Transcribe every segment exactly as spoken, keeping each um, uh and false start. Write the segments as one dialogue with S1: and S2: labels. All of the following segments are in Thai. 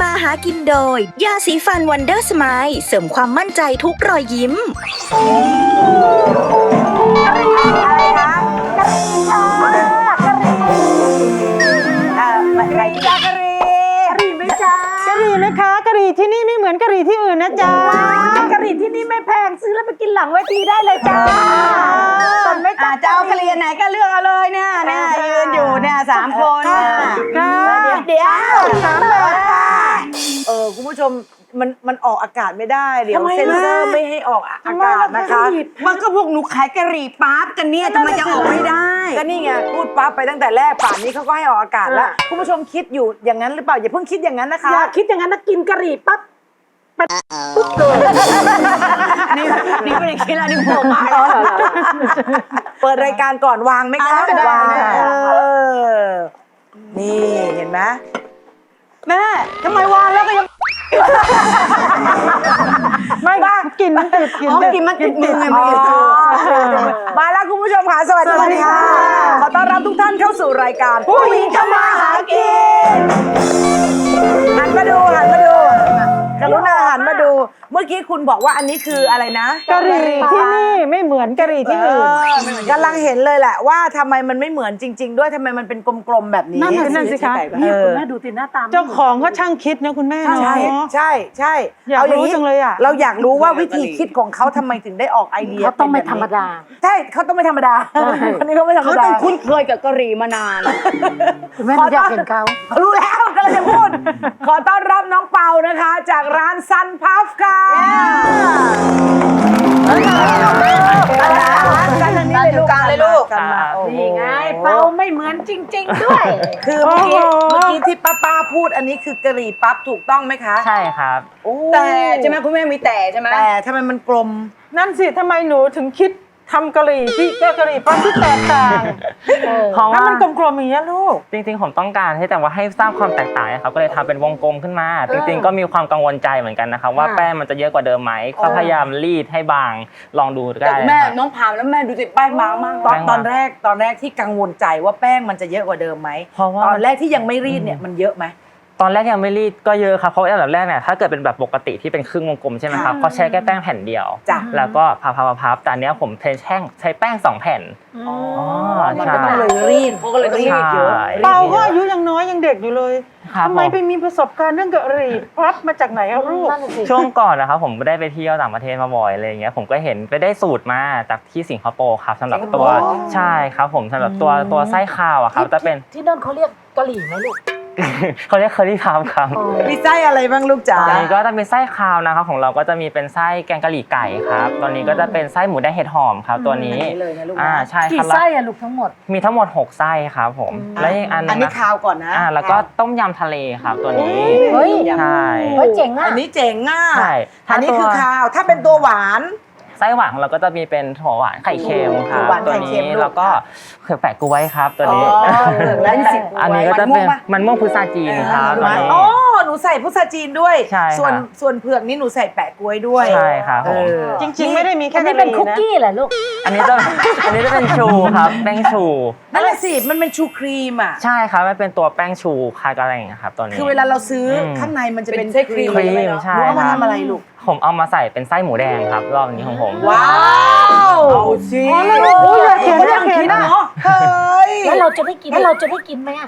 S1: ำมาหากินโดยยาสีฟันวันเดอร์สไมล์เสริมความมั่นใจทุกรอยยิ้ม
S2: อะไรคะกะหรี่ค่ะกะหรี่เอ่ออะไรจ้ากะหรี่กะหรี่ไหมจ๊ะ
S3: กะหรี่ไหมคะกะหรี่ที่นี่ไม่เหมือนกะหรี่ที่อื่นนะจ๊ะ
S2: กะหรี่ที่นี่ไม่แพงซื้อแล้วไปกินหลังเวทีได้เลยจ้าสนไหมจ๊ะเจ้ากะหรี่ไหนก็เลือกเอาเลยเนี่ยเนี่ยยืนอยู่เนี่ยสามคนเนี่ยเดี๋ยวสามแบบเออคุณผู้ชมมันมันออกอากาศไม่ได้เดี๋ยวเซ็นเซอร์ไม่ให้ออกอากาศนะคะมันก็พวกหนูขายกะหรี่ปั๊บกันเนี่ยทำไมจะออกไม่ได้ก็นี่ไงพูดปั๊บไปตั้งแต่แรกป่านนี้เขาก็ให้ออกอากาศแล้วคุณผู้ชมคิดอยู่อย่างนั้นหรือเปล่าอย่าเพิ่งคิดอย่างนั้นนะคะอย่าคิดอย่างนั้นนะกินกะหรี่ปั๊บปุ๊บเลยนี่นี่ไม่ได้คิดแล้วนี่โผล่มาเปิดรายการก่อนวางไหมคะวางนี่เห็นไหมแม่ทำไมวางแล้วก็ยัง
S3: ไม่กินมันติดกิน
S2: กินมันติดมือไงมาแล้วคุณผู้ชมค่ะสวัสดีค่ะขอต้อนรับทุกท่านเข้าสู่รายการผู้หญิงทำมาหากินหันมาดูหันมาดูกรุณาหันมาดูเมื่อกี้คุณบอกว่าอันนี้คืออะไรนะ
S3: กะหรี่ที่นี่ไม่เหมือนกะหรี่ที่อื่น
S2: กำลังเห็นเลยแหละว่าทำไมมันไม่เหมือนจริงๆด้วยทำไมมันเป็นกลมๆแบบนี้
S3: นั่นสิคะ
S2: นี่คุณแม่ดูติหน้าตา
S3: เจ้าของเขาช่างคิดนะคุณแม่เนาะ
S2: ใช่ใช่ใช่
S3: อยากรู้จังเลยอ่ะ
S2: เราอยากรู้ว่าวิธีคิดของเขาทำไมถึงได้ออกไอเดีย
S4: เขาต้องไม่ธรรมดา
S2: ใช่เขาต้องไม่ธรรมดาคนนี้เขาไม่ธรรมดา
S4: เขาต้องคุ้นเคยกับกะหรี่มานานคุณแม่อยากเห็นเขา
S2: รู้แล้วก็เลยจะพูดขอต้อนรับน้องเปานะคะจากร้านซันพัฟค่ะกันทางนี้เลยลูกกันเลยลูก
S4: นี่ไงเปาไม่เหมือนจริงๆด้วย
S2: คือเมื่อกี้เมื่อกี้ที่ป้าป้าพูดอันนี้คือกะหรี่ปั๊บถูกต้องไหมคะ
S5: ใช่ครับ
S4: แต่ใช่ไหมคุณแม่มีแต่ใช่ไหม
S2: แต่ทำไมมันกลม
S3: นั่นสิทำไมหนูถึงคิดทำกะหรี่ที่กะหรี่ปั๊บที่แตกต่าง
S5: เพราะว่า
S3: มันกลมๆอย่างนี้ลูก
S5: จริงๆผมต้องการให้แต่ว่าให้สร้างความแตกต่างครับก็เลยทำเป็นวงกลมขึ้นมาจริงๆก็มีความกังวลใจเหมือนกันนะครับว่าแป้งมันจะเยอะกว่าเดิมไหมก็พยายามรีดให้บางลองดูได้
S4: แม่น้องพามแล้วแม่ดูสิแป้งบางมาก
S2: ตอนตอนแรกตอนแรกที่กังวลใจว่าแป้งมันจะเยอะกว่าเดิมไหมตอนแรกที่ยังไม่รีดเนี่ยมันเยอะไหม
S5: ตอนแรกยังไม่รีดก็เยอะครับเพราะอันดับแรกเนี่ยถ้าเกิดเป็นแบบปกติที่เป็นครึ่งวงกลมใช่ไหมครับเขาใช้แค่แป้งแผ่นเดียวแล้วก็พับๆๆแต่อันนี้ผมใช้แท่งใช้แป้งสองแผ่น
S2: อ๋อมันก็ต้องเลยรีดเขาก็เลยต้องรีดเยอะ
S3: เปาก็อายุยังน้อยยังเด็กอยู่เลยทำไมไปมีประสบการณ์เรื่องกะหรี่ปั๊บมาจากไหนครับลูก
S5: ช่วงก่อนนะครับผมได้ไปเที่ยวต่างประเทศมาบ่อยอะไรอย่างเงี้ยผมก็เห็นไปได้สูตรมาจากที่สิงคโปร์ครับสำหรับตัวใช่ครับผมสำหรับตัวตัวไส้ข้าวอะครับจะเป็น
S4: ที่นั่นเขาเรียกกะหรี่ไหมลูก
S5: เขาเรียกเคอรี่พาวครับ
S2: มีไส้อะไรบ้างลูกจ๋า
S5: อันนี้ก็จะเป็นไส้คาวนะครับของเราก็จะมีเป็นไส้แกงกะหรี่ไก่ครับตอนนี้ก็จะเป็นไส้หมูแดงเห็ดหอมครับตัวนี้
S2: อ่า
S5: ใช่ครับ
S4: กี่ไส้อะลูกทั้งหมด
S5: มีทั้งหมดหกไส้ครับผมแล้วอีกอัน
S2: อันนี้คาวก่อนนะ
S5: อ่าแล้วก็ต้มยำทะเลครับตัวนี้
S4: เฮ้ย
S5: ใช่
S4: เฮ้ยเจ๋งอ่ะ
S2: อันนี้เจ๋งอ่ะ
S5: ใช่
S2: อันนี้คือคาวถ้าเป็นตัวหวาน
S5: ไส้หวานเราก็จะมีเป็นถั่วหวานไข่เค็มครับตัวนี้แล้วก็เผือกแปะกล้วยครับตัวนี้อันนี้ก็จะเป็นมันม่วงพุทราจีนครับตัวนี้
S2: อ๋อหนูใส่พุทราจีนด้วยส่วนส่วนเผือกนี่หนูใส่แปะกล้วยด้วย
S5: ใช่ครับผม
S3: จริงๆไม่ได้มีแค่
S4: นี้เป็นคุกกี้แหละลูก
S5: อันนี้จะอันนี้จะเป็นชูครับแป้งชู
S2: นั่นแหละสิมันเป็นชูครีมอ่ะ
S5: ใช่ครับมันเป็นตัวแป้งชูคากะแรงครับตัวนี้
S2: คือเวลาเราซื้อข้างในมันจะเป็น
S5: ครีมใช่
S2: เอามาทำอะไรลูก
S5: ผมเอามาใส่เป็นไส้หมูแดงครับรอบนี้ของผม
S2: ว้าวเอาสิ
S3: โอ้ยอยากเห็นอยากเห็นนะ
S2: เฮ้ย
S4: แล้วเราจะได้กินแล้วเราจะได้กินไหมอ่ะ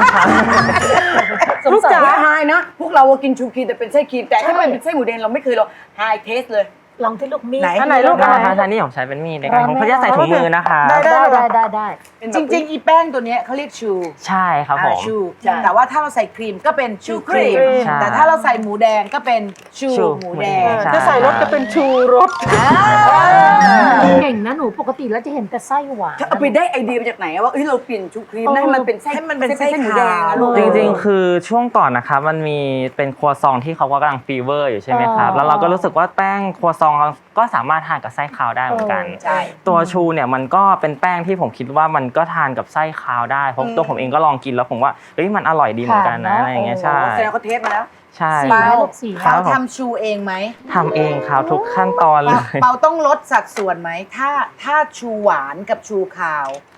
S2: ลูกจ๋าไฮนะพวกเรากินชูครีมแต่เป็นไส้ครีมแต่ถ้าเป็นไส้หมูแดงเราไม่เคยลองไฮเทสเลย
S4: ลองที่ลูกมีด
S2: ไหน
S3: ลูก
S5: อะไรคะท่านนี่ผมใช้เป็นมีดนะครับผมเขาจะใส่ถุงมือนะคะ
S4: ได้ได้ได้ได้
S2: จริงๆอีแป้งตัวนี้เขาเรียกชู
S5: ใช่ครับผม
S2: ชูแต่ว่าถ้าเราใส่ครีมก็เป็นชูครีมแต่ถ้าเราใส่หมูแดงก็เป็นชูหมูแดง
S3: จะใส่รสก็เป็นชูรส
S4: เก่งนะหนูปกติแล้วจะเห็นแต่ไส้หวาน
S2: เอาไปได้ไอเดียมาจากไหนว่าเฮ้ยเราเปลี่ยนชูครีมให้มันเป็นไส้ให้มันเป็นไส้หมูแดง
S5: จริงๆคือช่วงก่อนนะครับมันมีเป็นครัวซองที่เขากำลังฟีเวอร์อยู่ใช่ไหมครับแล้วเราก็รู้สึกว่าแป้งครัวซองก็สามารถทานกับไส้คาวได้เหมือนกันตัวชูเนี่ยมันก็เป็นแป้งที่ผมคิดว่ามันก็ทานกับไส้คาวได้เพราะตัวผมเองก็ลองกินแล้วผมว่าเฮ้ยมันอร่อยดีเหมือนกันนะอะไรอย่างเงี้ยใช่
S2: แสดงเขาเทสมาแล้ว
S5: ใช่
S2: เขาทำชูเองไหม
S5: ทำเองครับทุกขั้นตอนเลย
S2: เปาต้องลดสัดส่วนไหมถ้าถ้าชูหวานกับชูคาว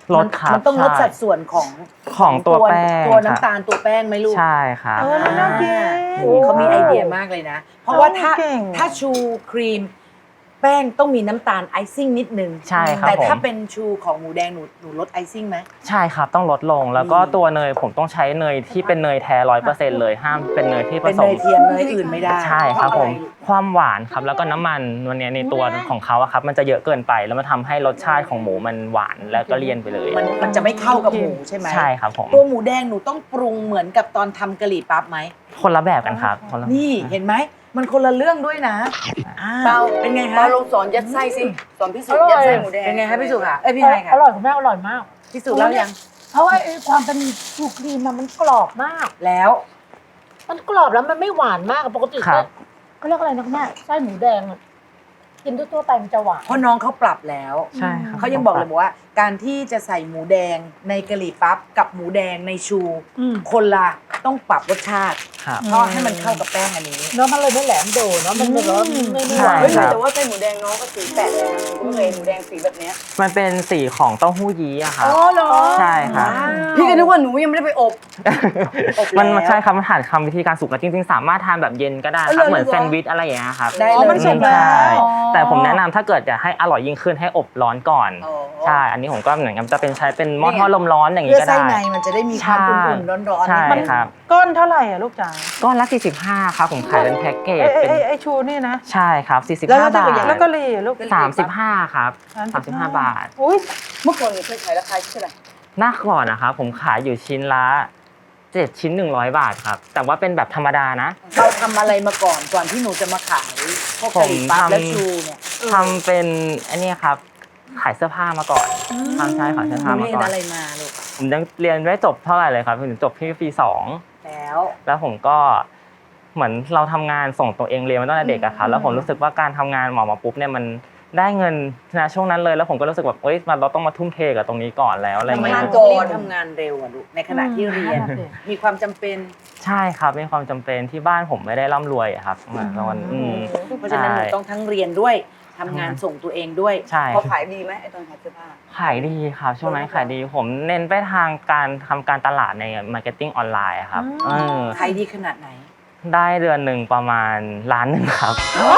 S5: ลดครับ
S2: มันต้องลด
S5: ใช่
S2: สัดส่วนของ
S5: ของตัวแป้ง
S2: ตัว
S5: ครับ
S2: น้ำตาลตัวแป้งไหมลูก
S5: ใช่ครับ
S3: เออแล้วน่ากิน
S2: เขามีไอเดียมากเลยนะ เพราะว่าถ้า
S3: เก่ง
S2: ถ้าชูครีม แป้งต้องมีน้ำตาลไอซิ่งนิดนึง
S5: ใช่ครับ
S2: แต่ถ้า
S5: ผม
S2: เป็นชูของหมูแดงหนูหนูลดไอซิ่งไหม
S5: ใช่ครับต้องลดลงแล้วก็
S2: อืม
S5: ตัวเนยผมต้องใช้เนยที่เป็นเนยแท้ร้อยเปอร์เซ็นต์เลยห้ามเป็นเนยที่ผ
S2: เป็น
S5: ส
S2: เน
S5: ม
S2: ยเทียมเนยอื่นไม่ได้
S5: ใช่ครับ
S2: เพ
S5: ผ
S2: ราะอะ
S5: ม
S2: ไร
S5: ความหวานครับแล้วก็น้ำมันวันนี้ในตัวของเขาอะครับมันจะเยอะเกินไปแล้วมันทำให้รสชาติของหมูมันหวานแล้วก็เลี่ยนไปเลย
S2: มันมันจะไม่เข้ากับหมูใช่ไหม
S5: ใช่ครับผม
S2: ตัวหมูแดงหนูต้องปรุงเหมือนกับตอนทำกะหรี่ปั๊บไหม
S5: คนละแบบกันครับคนละ
S2: นี่เห็นไหมมันคนละเรื่องด้วยนะอ่
S6: เปา
S2: เป็นไง
S6: เปา
S2: คะ
S6: ลองสอนยัดไส้สิสอนพี่สุ
S4: อร่อย
S6: ยัดไส้หมูแดง
S2: เป็นไงคะพี่สุค่ะเอ้ยพี่ไฮ
S4: อ
S2: ค่ะ
S4: ร่อยคุณแม่อร่อยมาก
S2: พี่สุเล่ายัง
S4: เพราะว่าไอ้ความเป็นชูครีมอะมันกรอบมาก
S2: แล้ว
S4: มันกรอบแล้วมันไม่หวานมากอะปกติ
S5: ครับ
S4: เขาเรียกอะไรนะคุณแม่ไส้หมูแดงอะกินทั่วๆไปมันจะหวาน
S2: เพราะน้องเขาปรับแล้ว
S5: ใช่ครับ
S2: เขายังบอกเลยบอกว่า การที่จะใส่หมูแดงในกะหรี่ปั๊บกับหมูแดงในชู
S4: อืม
S2: คนละต้องปรับรสชาติ
S5: ครับ
S2: เพราะให้มันเข้ากับแป้งอันนี้
S4: เนื้อมันเลยไม่แหลมโดดเนาะมันเลยว่าไม่ไม่หวาน
S5: ใช่
S6: เฮ้ย
S5: ครับ
S6: แต่ว่าไส้หมูแดงน้องก็สีแปลกเลยนะผมเคยเห็นหมูแดงสีแบบเนี้ย
S5: มันเป็นสีของเต้าหู้ยี้อะครับ
S6: อ๋อเหรอ
S5: ใช่ครับ
S6: พี่ก็นึกว่าหนูยังไม่ได้ไปอบ
S2: อบแล้ว
S5: มันมันใช่ครับมันผ่านคำวิธีการสุกแล้วจริงๆ สามารถทานแบบเย็นก็ได้ครับ
S6: เออ
S5: เหมือน
S6: เหรอ
S5: แซนด์วิชอะไรอย่างเงี้ยครับ
S2: ได้
S3: อ๋อมันสุกแล้ว
S5: ใช่
S6: อ๋อ
S5: แต่ผมแนะนำถ้าเกิดอยากให้อร่อยยิ่งขึ้นให้อบร้อนก่อน
S6: อ๋อ
S5: ใช่อันนี้ผมก็เหมือนกับจะเป็นใช้เป็นหม้อทอดลมร้อนอย่าง
S2: เพื่
S5: นี้
S2: อ
S5: ก็
S2: ไส้
S5: ได้
S2: ในมันจะได้มีความอุ่นๆร้อนๆ
S5: ใช่
S2: นิดนึง
S5: ครับ
S3: ก้อนเท่าไหร่อ่ะลูกจ๋า
S5: ก้อนละสี่สิบห้าครับผมขายเป็นแพ็กเกจ
S3: ไอ้
S5: เป็น
S3: ไอ้ไอ้ชูนี่นะ
S5: ใช่ครับสี่สิบ
S2: แล้ว
S5: ห้า
S2: เราจะ
S5: บาท
S3: แล้วก็เลยลูก
S5: สามสิบห้าครับสามสิบห้าบาท
S3: อุ้ย
S6: เมื่อก่อนหนูเคยขายราคาเท่าไหร่
S5: หน้าก่อนนะครับผมขายอยู่ชิ้นละเจ็ดชิ้นหนึ่งร้อยบาทครับแต่ว่าเป็นแบบธรรมดานะ
S2: เราทำอะไรมาก่อนก่อนที่หนูจะมาขายพวกกะหรี่ปั๊บ
S5: ผมทำ
S2: และชูเนี่ย
S5: ทำเป็นอันนี้ครับขายเสื้อผ้ามาก่อนทำใช่ขายเสื้อ
S2: ห
S5: ผ้า
S2: นู
S5: มา
S2: เรียน
S5: ก่อน
S2: อะไรมาลูก
S5: ผมยังเรียนไม่จบเท่าไหร่เลยครับถึงจบที่ปีสอง
S2: แล้ว
S5: แล้วผมก็เหมือนเราทำงานส่งตัวเองเรียนมาตั้งแต่เด็กอะครับแล้วผมรู้สึกว่าการทำงานหมอมาปุ๊บเนี่ยมันได้เงินนะช่วงนั้นเลยแล้วผมก็รู้สึกแบบเอ้ยมันเราต้องมาทุ่มเทกับตรงนี้ก่อนแล้วอะไร
S2: ทำไม
S5: เงี้ย
S2: ถึงต้องรีบทำงานเร็วอะลูกในขณะที่เรียน
S4: อืม
S2: มีความจำเป็น
S5: ใช่ครับมีความจำเป็นที่บ้านผมไม่ได้ร่ำรวยอะครับเหมือนตอนอืม
S2: เพราะฉะนั้นหนูต้องทั้งเรียนด้วยทำงานส่งตัวเองด้วย
S5: ใช่
S6: พอขายดีไหมไอ้ตอนขายเสื้อผ้า
S5: ขายดีครับช่วงนั้นขายดีผมเน้นไปทางการทำการตลาดในมาร์เก็ตติ้งออนไลน์อะครับเออ
S2: ขายดีขนาดไหน
S5: ได้เดือนหนึ่งประมาณล้านหนึ่งครับ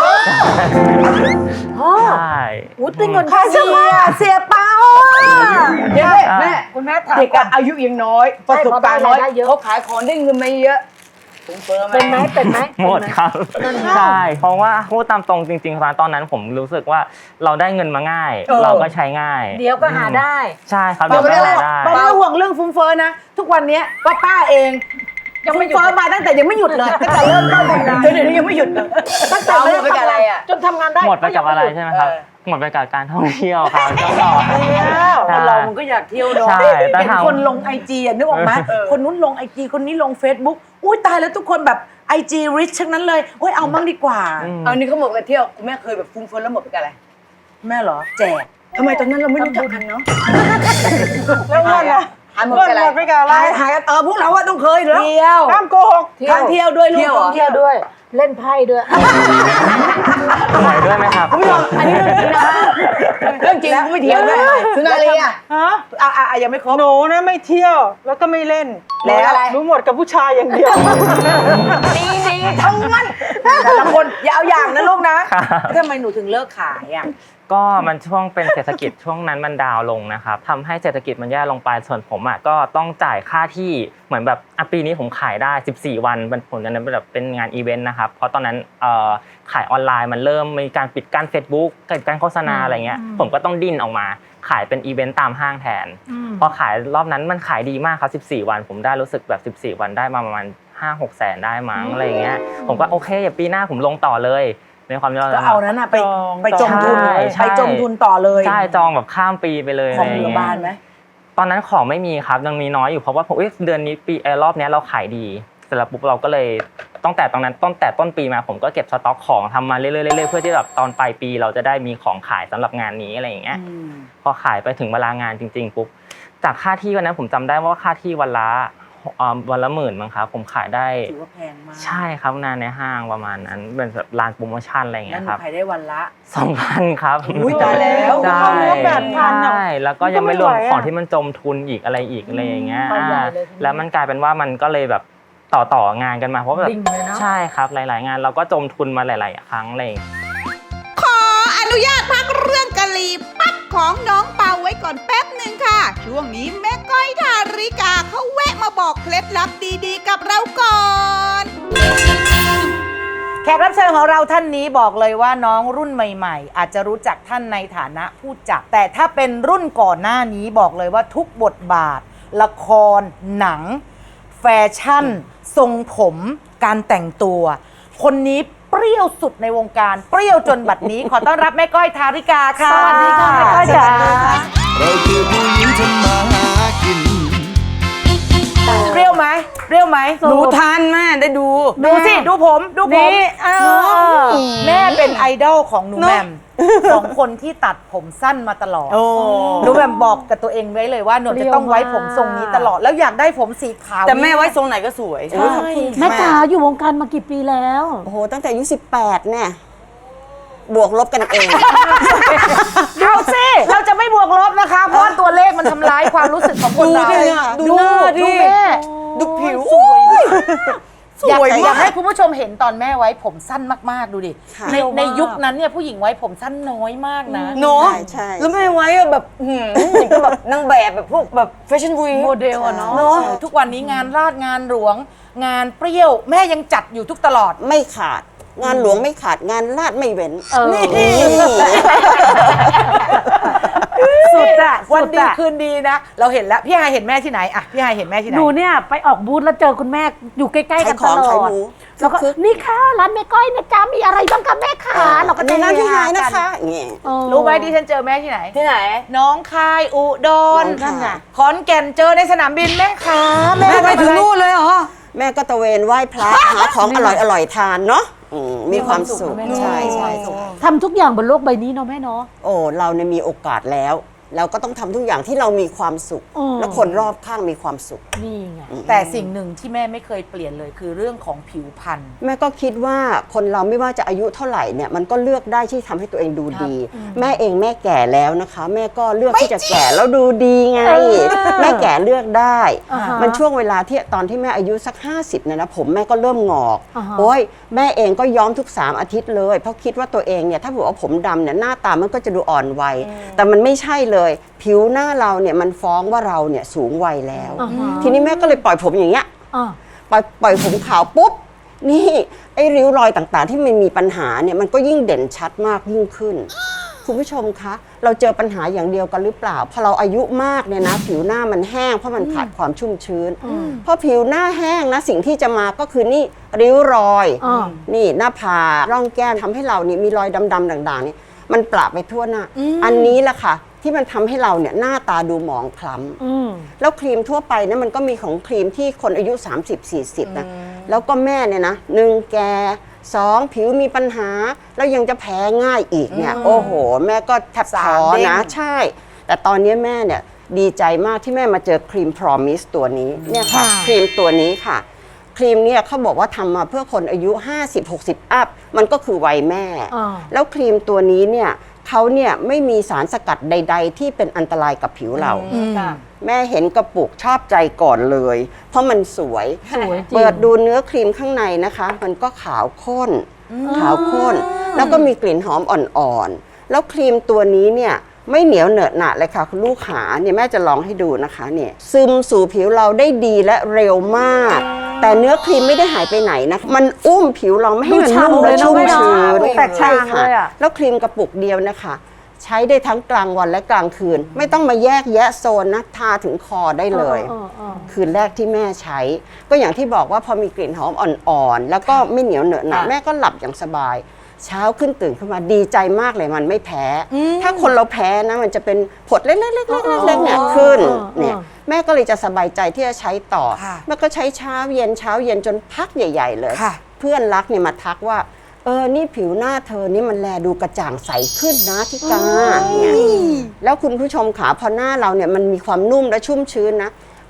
S5: ใช่
S2: อู้ตีเงินค่าเสียเสียเปา
S6: เดี๋ยวแม่
S4: คุณแม่ถาม
S6: เด็ก
S4: ก่อ
S6: อะ
S4: น
S6: อายุยังน้อย ประสบการณ์น้อย
S4: ใช่เพราะได้รายได้เยอะ
S6: เขาขายของได้เงินไม่เยอะผมเฟิร์ม
S4: เป็นไหมเป็นไหม
S5: หมดครับ
S4: เป็นไหม
S5: ใช่เพราะว่าพูดตามตรงจริงๆตอนนั้นผมรู้สึกว่าเราได้เงินมาง่าย เราก็ใช้ง่าย
S4: เดี๋ยวก็หาได้
S5: ใช่ครับ
S2: เดี๋
S5: เดี๋
S2: ย
S5: ยว ว
S2: ไม่
S5: ก็
S2: ได้
S5: หาได้
S2: ป้าไม่ต้องห่วงเรื่องฟุ้งเฟ้อนะ ทุกวันเนี้ยป้าป้าเองยังไม่เฟ้อมาตั้งแต่ยังไม่หยุดเลยตั้งแต่เริ่มต้นทำงานเดี๋ยวนี้ยังไม่หยุดเลยตั้งแต่
S6: เอาหม
S2: เริ่
S6: ด
S2: ม
S6: ไป
S2: ทำ
S6: กับอะไร
S2: งาน
S6: อะ
S4: จนทำงานได้
S5: หมดไปกับอะไร
S4: ก็ยังม่หยุด
S5: ใช่ไหมครับ
S6: เออ
S5: หมดไปกับการท่องเที่ยวครับก็ต่อ
S2: คนเรามันก็อยากเที่ยวเนาะ
S5: ใช่แต่
S2: เห็น
S5: ถาม
S2: คนลงไอจีอ่ะนึกออกไหมคนนู้นลงไอจีคนนี้ลง Facebook อุ้ยตายแล้วทุกคนแบบไอจีริชทั้งนั้นเลยโอ้ยเอามั่งดีกว่า
S5: อืม
S6: เอานี่เขาหมดไปเที่ยวคุณแม่เคยแบบฟุ้งเฟิร์มแล้วหมดไปกับอะไร
S2: แม่เหรอแจก
S6: ทำไมตอนนั้นเราไม่รู้จักกันเนาะ
S3: แล้วเงินอ่ะ
S6: หายหมด
S3: เงิน
S6: ไปกับ
S3: หม
S6: อะ
S3: ด
S6: ไร
S3: ไปกับอะไร
S2: หายหายเออพวกเราอะต้องเคยอยู่แล้ว
S6: เที่ยว
S3: ห้ามโกหก
S2: ทานเที่ยวด้วยลูก
S6: เที่ยวเหรอ
S4: เที่ยวด้วย เล่นไพ่ด้วย
S5: หวยด้วยไหมครับ
S6: คุณผู้ชมอันนี้เรื่องจริงนะเรื่องจริงไม่เที่ยวด้วยสุนารีอะ
S3: ฮะ
S2: อ่ะอ่ะอ่ะยังไม่ครบ
S3: หนูนะไม่เที่ยวแล้วก็ไม่เล่น
S2: แล้ว
S3: รู้หมดกับผู้ชายอย่างเดียว
S2: ดีดีทั้งนั้นแต่ละคนอย่าเอาอย่างนะลูกนะครับ ทำไมหนูถึงเลิกขายอ่ะ
S5: ก็มันช่วงเป็นเศรษฐกิจช่วงนั้นมันดาวน์ลงนะครับทำให้เศรษฐกิจมันแย่ลงไปส่วนผมอ่ะก็ต้องจ่ายค่าที่เหมือนแบบอ่ะปีนี้ผมขายได้สิบสี่วันมันผมนั้นเป็นแบบเป็นงานอีเวนต์นะครับเพราะตอนนั้นเอ่อขายออนไลน์มันเริ่มมีการปิดกั้น Facebook ปิดกั้นโฆษณาอะไรเงี้ยผมก็ต้องดิ้นออกมาขายเป็นอีเวนต์ตามห้างแทนพอขายรอบนั้นมันขายดีมากครับสิบสี่วันผมได้รู้สึกแบบสิบสี่วันได้มาประมาณห้าหกแสนได้มั้งอะไรเงี้ยผมก็โอเคอย่าปีหน้าผมลงต่อเลยในความที่เรา
S2: ก็เอานั้นอ่ะไป
S3: จอง
S2: ไปจมทุน
S5: ใช่ใช่
S2: ไปจมทุนต่อเลย
S5: ใช่จองแบบข้ามปีไปเลย
S2: ของ
S5: ะไร
S2: เหลือ
S5: เงี้ย
S2: บ้านไหม
S5: ตอนนั้นของไม่มีครับยังมีน้อยอยู่เพราะว่าผมเอ้ยเดือนนี้ปีเอ่อรอบเนี้ยเราขายดีเสร็จแล้วปุ๊บเราก็เลยตั้งแต่ตอนนั้นต้นแต่ต้นปีมาผมก็เก็บสต็อกของทำมาเรื่อยๆเรื่อยๆเพื่อที่แบบตอนปลายปีเราจะได้มีของขายสำหรับงานนี้อะไรอย่างเงี้ยพอขายไปถึงเวลางานจริงๆปุ๊บจากค่าที่วันนั้นผมจำได้ว่าค่าที่วันละอ่าวันละหมื่นมั้งครับผมขายได้
S2: ถือว่าแพงมาก
S5: ใช่ครับนานในห้างประมาณนั้นเป็นแบบร้านโปรโมชั่นอะไรอย่าง
S2: แล้ว
S5: เงี้
S2: ห
S5: ย
S2: นู
S5: ครับ
S2: ขายได้วันละ
S5: สองพันครับ
S2: อุ๊ยตายแล้ว
S5: ใช่
S3: เข้าเนื้อแปดพันอะ
S5: ใช่แล้วก็ยังไม่รวมของที่มันจมทุนอีกอะไรอีกอะไรอย่างเงี้ย
S4: ไปใหญ่
S5: อ่า
S4: เลยทีนี้
S5: แล้วมันกลายเป็นว่ามันก็เลยแบบต่อต่องานกันมาเพราะแบบ
S4: ดิ่งเลยเนอะ
S5: ใช่ครับหลาย ๆ งานเราก็จมทุนมาหลาย ๆ ครั้งอะไรอย่างเลย
S7: ขออนุญาตพักเรื่องกะหรี่ปั๊บของน้องเปาไว้ก่อนแป๊บหนึ่งค่ะ ช่วงนี้แม่ก้อยทาริกาเขาแวะมาบอกเคล็ดลับดีๆกับเราก่อน
S2: แขกรับเชิญของเราท่านนี้บอกเลยว่าน้องรุ่นใหม่ๆ อาจจะรู้จักท่านในฐานะผู้จัดแต่ถ้าเป็นรุ่นก่อนหน้านี้บอกเลยว่าทุกบทบาท ละคร หนัง แฟชั่น ทรงผม การแต่งตัว คนนี้เปรี้ยวสุดในวงการเปรี้ยวจนบัดนี้ ขอต้อนรับแม่ก้อยทาริกาค่ะ
S3: สวัสดีค่ะแม่ก้อยจ๋า
S8: เราคือผู้หญิงทำมาหากิน
S2: เปรี้ยวไหมเปรี้ยวไหม
S6: ดูทันแม่ได้ดู
S2: ดูสิ ดูผมดูผม
S3: นี่เออ
S2: แม่เป็นไอดอลของหนูแหม่มสองคนที่ตัดผมสั้นมาตลอด
S6: โอ้
S2: หนูแหม่มบอกกับตัวเองไว้เลยว่าหนูจะต้องไว้ผมทรงนี้ตลอด แล้วอยากได้ผมสีขาว
S6: แต่แม่ไว้ทรงไหนก็สวย
S2: ใช่
S4: แม่จ๋าอยู่วงการมากี่ปีแล้ว
S9: โอ้โห ตั้งแต่อายุสิบแปดเนี่ย บวกลบกันเอง
S2: ดูสิเราจะไม่บวกลบนะคะ เพราะว่าตัวเลขมันทำร้ายความรู้สึกของคนเรา
S6: ดูดิอะดูหน้าดิ
S2: ดูแม่
S6: ดูผิว
S2: สวยมาก
S6: สวย
S2: อยากอยาก
S6: มาก
S2: ให้คุณผู้ชมเห็นตอนแม่ไว้ผมสั้นมากๆดูดิ
S9: ค่ะ
S2: ในในยุคนั้นเนี่ยผู้หญิงไว้ผมสั้นน้อยมากนะ
S6: เนาะ
S9: ใช่ใช่
S6: แล้วแม่ไว้อะแบบหืมอย่างก็แบบนางแบบแบบพวกแบบแฟชั่นวีค
S4: โมเดลอะเนาะ
S6: เนาะ
S2: ทุกวันนี้งานราชงานหลวง งานเปรี้ยวแม่ยังจัดอยู่ทุกตลอด
S9: ไม่ขาด งานหลวงไม่ขาด งานลาดไม่เว้น
S4: เออ
S9: นี่
S2: สุดอะวันดีคืนดีนะ เราเห็นแล้วพี่ฮายเห็นแม่ที่ไหนอะพี่ฮายเห็นแม่ที่ไหน
S4: หนูเนี่ยไปออกบูธแล้วเจอคุณแม่อยู่ใกล้ๆกันตล
S9: ขายของ
S4: อ
S9: ขาย
S4: ด
S9: หมู
S4: แล้วก็
S9: คึก
S4: นี่ค่ะร้านแม่ก้อยนะจ๊ะมีอะไรบ้างคะแม่ขาเราก็
S9: อัน
S4: จะ
S9: นี้ร้านที่ไหน
S2: กั
S9: นะคะอย่างเงี้ย
S4: เออ
S2: รู้ไหมดิฉันเจอแม่ที่ไหน
S6: ที่ไหน
S2: น้องคายอุดร
S9: น้องคาย
S2: ขอนแก่นเจอในสนามบินแม่ค้า
S6: แม่ไปถึงนู่นเลยเหรอ
S9: แม่ก็ตะเวนไหว้พระ หาของอร่อยอร่อยๆทานเนาะอืมมีความสุข ใช่ใช่ใช่
S4: ทำทุกอย่างบนโลกใบนี้เนาะแม่เนาะ
S9: โอ้ เราเนี่ยมีโอกาสแล้ว เราก็ต้องทำทุกอย่างที่เรามีความสุข
S4: อืม
S9: และคนรอบข้างมีความสุข
S4: นี่ไง
S2: แต่สิ่งหนึ่งที่แม่ไม่เคยเปลี่ยนเลยคือเรื่องของผิวพรรณ
S9: แม่ก็คิดว่าคนเราไม่ว่าจะอายุเท่าไหร่เนี่ยมันก็เลือกได้ที่ทำให้ตัวเองดูดี แม่เองแม่แก่แล้วนะคะ แม่ก็เลือกที่จะแก่แล้วดูดีไง แม่แก่เลือกได้
S4: อ่าฮะ
S9: มันช่วงเวลาที่ตอนที่แม่อายุสักห้าสิบเนี่ยนะผมแม่ก็เริ่มงอก
S4: อ่าฮะ
S9: โอ้ยแม่เองก็ย้อมทุกสามอาทิตย์เลยเพราะคิดว่าตัวเองเนี่ยถ้าบอกว่าผมดำเนี่ยหน้าตามันก็จะดูอ่อนวัยแต่มันไม่ใช่เลยผิวหน้าเราเนี่ยมันฟ้องว่าเราเนี่ยสูงวัยแล้ว
S4: อ่าฮะ
S9: ทีนี้แม่ก็เลยปล่อยผมอย่างเงี้ย
S4: อ่า
S9: ปล่อยปล่อยผมขาวปุ๊บ นี่ไอ้ริ้วรอยต่างๆ ที่มันมีปัญหาเนี่ยมันก็ยิ่งเด่นชัดมากยิ่งขึ้น คุณผู้ชมคะ เราเจอปัญหาอย่างเดียวกันหรือเปล่าพอเราอายุมากเนี่ยนะผิวหน้ามันแห้งเพราะมันขาดความชุ่มชื้นพอผิวหน้าแห้งนะสิ่งที่จะมาก็คือนี่ริ้วรอย
S4: อ่า
S9: นี่หน้าผากร่องแก้มทำให้เรานี่มีรอยดำๆด่างๆนี่มันปราไปทั่วหน้า อันนี้แหละค่ะที่มันทำให้เราเนี่ยหน้าตาดูหมองคล้ำ
S4: อืม
S9: แล้วครีมทั่วไปเนี่ยมันก็มีของครีมที่คนอายุ สามสิบสี่สิบ นะ แล้วก็แม่เนี่ยนะหนึ่งแก่สองผิวมีปัญหา แล้วยังจะแพ้ง่ายอีกเนี่ย โอ้โห แม่ก็แทบท้อนะ ใช่ แต่ตอนนี้แม่เนี่ยดีใจมากที่แม่มาเจอครีม Promise ตัวนี้เนี่ยค่ะ ครีมตัวนี้ค่ะ ครีมเนี่ยเขาบอกว่าทำมาเพื่อคนอายุ ห้าสิบหกสิบ อัพ มันก็คือวัยแม่
S4: อ่า
S9: แล้วครีมตัวนี้เนี่ยเขาเนี่ยไม่มีสารสกัดใด ๆ ที่เป็นอันตรายกับผิวเรา แม่เห็นกระปุกชอบใจก่อนเลย เพราะมันสวย
S4: สวยจริง
S9: เปิดดูเนื้อครีมข้างในนะคะ มันก็ขาวข้น ขาวข้น แล้วก็มีกลิ่นหอมอ่อนๆ แล้วครีมตัวนี้เนี่ยไม่เหนียวเหนอะหนะเลยค่ะคุณลูกขาเนี่ยแม่จะลองให้ดูนะคะเนี่ยซึมสู่ผิวเราได้ดีและเร็วมาก แต่เนื้อครีมไม่ได้หายไปไหนนะมันอุ้มผิวเราไม่ให้มันนุ่มและชุ่มชื้น
S3: แตกต่างเลยอะ
S9: แล้วครีมกระปุกเดียวนะคะ ใช้ได้ทั้งกลางวันและกลางคืน ไม่ต้องมาแยกแยะโซนนะทาถึงคอได้เลย
S4: เออเออ
S9: คืนแรกที่แม่ใช้ ก็อย่างที่บอกว่าพอมีกลิ่นหอมอ่อนๆ แล้วก็ไม่เหนียวเหนอะหนะแม่ก็หลับอย่างสบาย เช้าขึ้นตื่นขึ้นมาดีใจมากเลยมันไม่แพ้ ถ้าคนเราแพ้นะมันจะเป็นผดเล็กๆๆๆๆเนี่ยขึ้นเนี่ยแม่ก็เลยจะสบายใจที่จะใช้ต่อ
S2: ค่ะ
S9: แม่ก็ใช้เช้าเย็นเช้าเย็นจนพักใหญ่ ๆ เลย
S2: ค่ะ
S9: เพื่อนรักเนี่ยมาทักว่าเออนี่ผิวหน้าเธอนี่มันแลดูกระจ่างใสขึ้นนะที่กาเนี่ยแล้วคุณผู้ชมขาพอหน้าเราเนี่ยมันมีความนุ่มและชุ่มชื้นนะ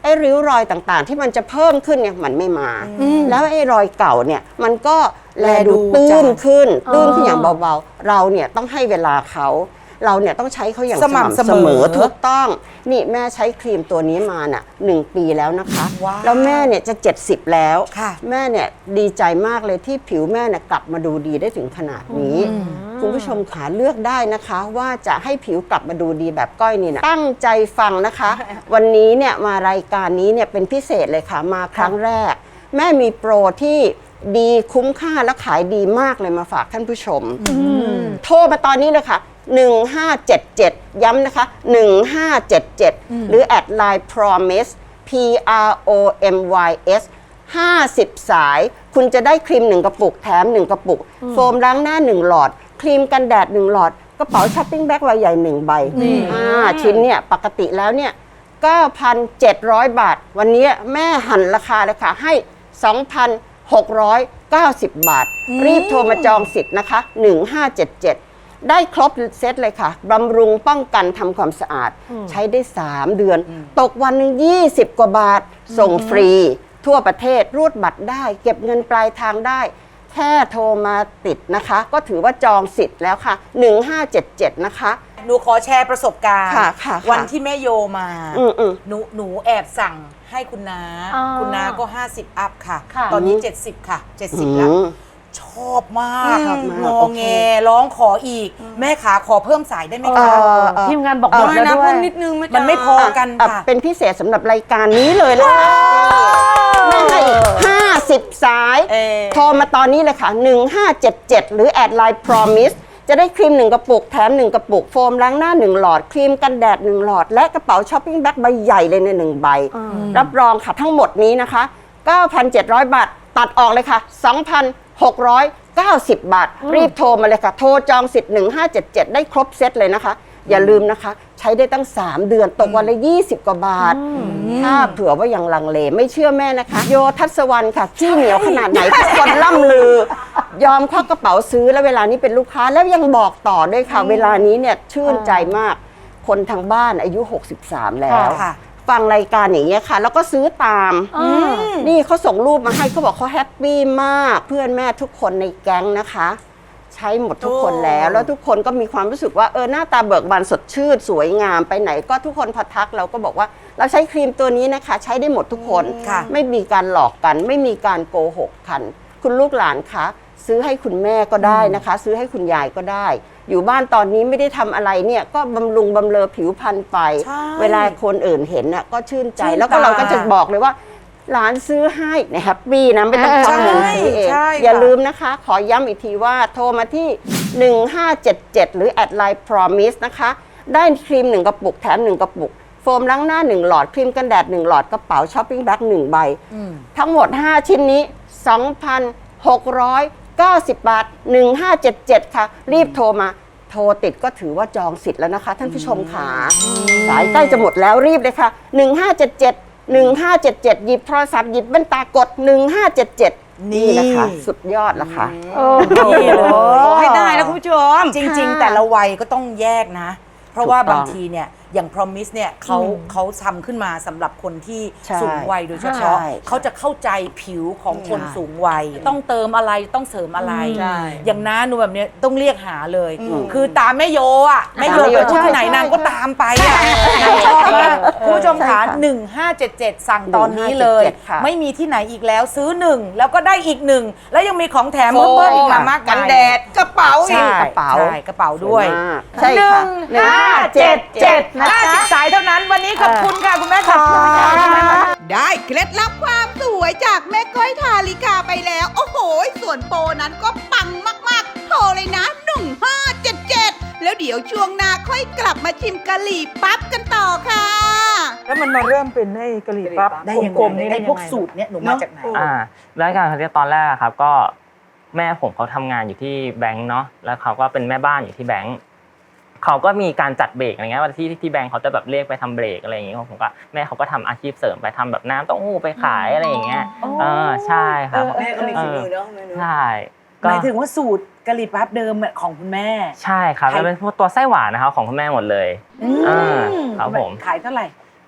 S9: ไอ้ริ้วรอยต่างๆ ที่มันจะเพิ่มขึ้นเนี่ยมันไม่มา แล้วไอ้รอยเก่าเนี่ยมันก็แลดูตื้นขึ้นตื้นขึ้นอย่างเบาๆเราเนี่ยต้องให้เวลาเขาเราเนี่ยต้องใช้เขาอย่างสม่ำเสมอถูกต้องนี่แม่ใช้ครีมตัวนี้มาน่ะหนึ่งปีแล้วนะคะแล้วแม่เนี่ยจะเจ็ดสิบแล้วแม่เนี่ยดีใจมากเลยที่ผิวแม่เนี่ยกลับมาดูดีได้ถึงขนาดนี้คุณผู้ชมขาเลือกได้นะคะว่าจะให้ผิวกลับมาดูดีแบบก้อยนี่นะตั้งใจฟังนะคะ วันนี้เนี่ยมารายการนี้เนี่ยเป็นพิเศษเลยค่ะมาครั้งแรกแม่มีโปรที่ดีคุ้มค่าและขายดีมากเลยมาฝากท่านผู้ชมโทรมาตอนนี้เลยค่ะหนึ่งห้าเจ็ดเจ็ดย้ำนะคะหนึ่งห้าเจ็ดเจ็ดหรือแอดไลน์ promise P R O M Y S ห้าสิบสายคุณจะได้ครีมหนึ่งกระปุกแถมหนึ่งกระปุกโฟมล้างหน้าหนึ่งหลอดครีมกันแดดหนึ่งหลอดกระเป๋าช้อปปิ้งแบ็คใบใหญ่หนึ่งใบห้าชิ้นเนี่ยปกติแล้วเนี่ย เก้าพันเจ็ดร้อย บาทวันนี้แม่หั่นราคาเลยค่ะให้ สองพันหกร้อยเก้าสิบ บาทรีบโทรมาจองสิทธิ์นะคะหนึ่งห้าเจ็ดเจ็ดได้ครบเซตเลยค่ะบำรุงป้องกันทำความสะอาดใช้ได้สามเดือนตกวันหนึ่งยี่สิบกว่าบาทส่งฟรีทั่วประเทศรูดบัตรได้เก็บเงินปลายทางได้แค่โทรมาติดนะคะก็ถือว่าจองสิทธิ์แล้วค่ะหนึ่งห้าเจ็ดเจ็ดนะคะ
S2: หนูขอแชร์ประสบการณ์
S9: ค่ะค่ะ
S2: วันที่แม่โยมา
S9: อืมอืม
S2: หนูหนูแอบสั่งให้คุณน้า
S4: อ่า
S2: คุณน้าก็ ห้าสิบ อัพค่ะ
S4: ค่ะ
S2: ตอนนี้ เจ็ดสิบ ค่ะ เจ็ดสิบ แล้ว
S9: อืม
S2: ชอบมาก
S9: ชอบมาก
S2: งอ
S9: โอเค
S2: แงร้องขออีก แม่ขาขอเพิ่มสายได้ไหม
S9: เอ่
S2: คะ
S9: อเอ่อ
S4: ทีมงานบอกหมดแล้วด้วย
S2: มันไม่พอกัน
S9: อ่ะ
S2: ค่ะ
S9: เป็นพิเศษสำหรับรายการนี้เลยละแม่ให้อีกห้าสิบสาย
S2: เอ่อ
S9: โทรมาตอนนี้เลยค่ะหนึ่งห้าเจ็ดเจ็ดหรือแอดไลน์ promise จะได้ครีมหนึ่งกระปุกแถมหนึ่งกระปุกโฟมล้างหน้าหนึ่งหลอดครีมกันแดดหนึ่งหลอดและกระเป๋าช้อปปิ้งแบ็คใบใหญ่เลยในหนึ่งใบรับรองค่ะทั้งหมดนี้นะคะ เก้าพันเจ็ดร้อย บาทตัดออกเลยค่ะ สองพันหกร้อยเก้าสิบ บาทรีบโทรมาเลยค่ะโทรจองสิทธิ์หนึ่งห้าเจ็ดเจ็ดได้ครบเซตเลยนะคะอย่าลืมนะคะใช้ได้ตั้งสามเดือนตกวันละยี่สิบกว่าบาทถ้าเผื่อว่ายังลังเลไม่เชื่อแม่นะคะโยทัศวรรณค่ะขี้เหนียวขนาดไหนทุกคนล่ำลือยอมควักกระเป๋าซื้อแล้วเวลานี้เป็นลูกค้าแล้วยังบอกต่อด้วยค่ะเวลานี้เนี่ยชื่นใจมากคนทางบ้านอายุหกสิบสามแล้ว
S2: ค่ะ
S9: ฟังรายการอย่างเงี้ยค่ะแล้วก็ซื้อตามนี่เขาส่งรูปมาให้เขาบอกเขาแฮปปี้มากเพื่อนแม่ทุกคนในแก๊งนะคะใช้หมดทุกคนแล้วแล้วทุกคนก็มีความรู้สึกว่าเออหน้าตาเบิกบานสดชื่นสวยงามไปไหนก็ทุกคนพอทักเราก็บอกว่าเราใช้ครีมตัวนี้นะคะใช้ได้หมดทุกคน
S2: ค่ะ
S9: ไม่มีการหลอกกันไม่มีการโกหกกันคุณลูกหลานคะซื้อให้คุณแม่ก็ได้นะคะ ซื้อให้คุณยายก็ได้ อยู่บ้านตอนนี้ไม่ได้ทำอะไรเนี่ยก็บำรุงบำเรอผิวพรรณไป
S2: ใช่
S9: เวลาคนอื่นเห็นน่ะก็ชื่นใจ
S2: ชื่น
S9: แล้วก็
S2: ตา
S9: เราก็จะบอกเลยว่าหลานซื้อให้เนี่ยแฮปปี้นะไม่ต้องควักเงินซื้อเอง
S2: ใช่
S9: อย่า
S2: ค่ะ
S9: ลืมนะคะ ขอย้ำอีกทีว่าโทรมาที่ หนึ่งห้าเจ็ดเจ็ด หรือแอดไลน์ promise นะคะได้ครีมหนึ่งกระปุกแถมหนึ่งกระปุกโฟมล้างหน้าหนึ่งหลอดครีมกันแดดหนึ่งหลอดกระเป๋าช้อปปิ้งแบ็คหนึ่งใบทั้งหมดห้าชิ้นนี้ สองพันหกร้อยเก้าสิบ บาทหนึ่งห้าเจ็ดเจ็ดค่ะรีบโทรมาโทรติดก็ถือว่าจองสิทธิ์แล้วนะคะท่านผู้ชมขาสายใกล้จะหมดแล้วรีบเลยค่ะหนึ่งห้าเจ็ดเจ็ด หนึ่งห้าเจ็ดเจ็ดหยิบโทรศัพท์หยิบแว่นตากดหนึ่งห้าเจ็ดเจ็ดนี่นะคะสุดยอดละค่ะ
S2: นี่เลย
S6: ขอให้ได้นะคุณผู้ชม
S2: จริง ๆ แต่ละวัยก็ต้องแยกนะ เพราะว่า
S9: ถูกต้อง
S2: บางทีเนี่ยอย่าง promise เนี่ยเขาเขาทำขึ้นมาสำหรับคนที่
S9: ใช่
S2: สูงวัยโดยเฉพาะ
S9: ใช่
S2: เขาจะเข้าใจผิวของคน
S9: ใช่
S2: สูงวัย ต้องเติมอะไรต้องเสริมอะไร
S6: ใช่
S2: อย่างน้าหนูแบบเนี้ยต้องเรียกหาเลย คือตามแม่โยอ่ะแม่โย
S9: ตามแม่โย
S2: ไปพูดที่ไหน
S9: ใช่
S2: นางก็ตามไปอ่ะนางชอบมากคุณผู้ชม
S9: ใช่
S2: ขา
S9: ค่ะ
S2: หนึ่งห้าเจ็ดเจ็ดสั่งตอนนี้เลย
S9: หนึ่งห้าเจ็ดเจ็ดค่ะ
S2: ไม่มีที่ไหนอีกแล้วซื้อหนึ่งแล้วก็ได้อีกหนึ่งแล้วยังมีของแถม
S6: โฟ
S2: เพิ่ม
S6: ม
S2: อีก
S6: มาม
S2: าก
S6: กัน
S2: มาย
S6: แดดกระเป๋าอี
S2: ใช่
S6: ก
S9: กระเป๋า
S2: ใช่กระเป๋าด้วย
S9: ใช่ค่ะ
S2: หนึ่งห้าเจ็ดเจ็ดห้าสิบสายเท่านั้นวันนี้ขอบคุณค่ะ คุณแม่ค่ะ
S7: ได้เคล็ดลับความสวยจากแม่ก้อยทาลิกาไปแล้ว โอ้โห ส่วนโปรนั้นก็ปังมากๆ โทรเลยนะหนึ่งห้าเจ็ดเจ็ดแล้วเดี๋ยวช่วงหน้าค่อยกลับมาชิมกะหรี่ปั๊บกันต่อค่ะ
S3: แล้วมันมาเริ่มเป็นไอ้กะหรี่ปั๊บ
S2: ได้ยัง
S3: กล
S2: ไง
S3: มๆนี่
S2: ไอ้
S3: ได้
S2: พวก
S3: ยังไง
S2: สูตรเนี่ยหนูมาจากไหน
S5: อ่าแล้วการเขาเรียกตอนแรกอะครับก็แม่ผมเขาทำงานอยู่ที่แบงค์เนาะแล้วเขาก็เป็นแม่บ้านอยู่ที่แบงค์เขาก็มีการจัดเบรกอะไรเงี้ยว่าที่ที่แบงค์เขาจะแบบเรียกไปทำเบรกอะไรอย่างเงี้ยผมก็แม่เขาก็ทำอาชีพเสริมไปทำแบบน้ำเต้าหู้ไปขายอะไรอย่างเงี้ยเออใช่ครับ
S6: แม่ก็มีฝีมือเนาะ
S5: ใช่
S2: หมายถึงว่าสูตรกะหรี่ปั๊บเดิมของคุณแม่
S5: ใช่ครับแล้วเป็นพวกตัวไส้หวานนะครับของคุณแม่หมดเลยอ่าครับผม
S2: ขายเท่าไหร่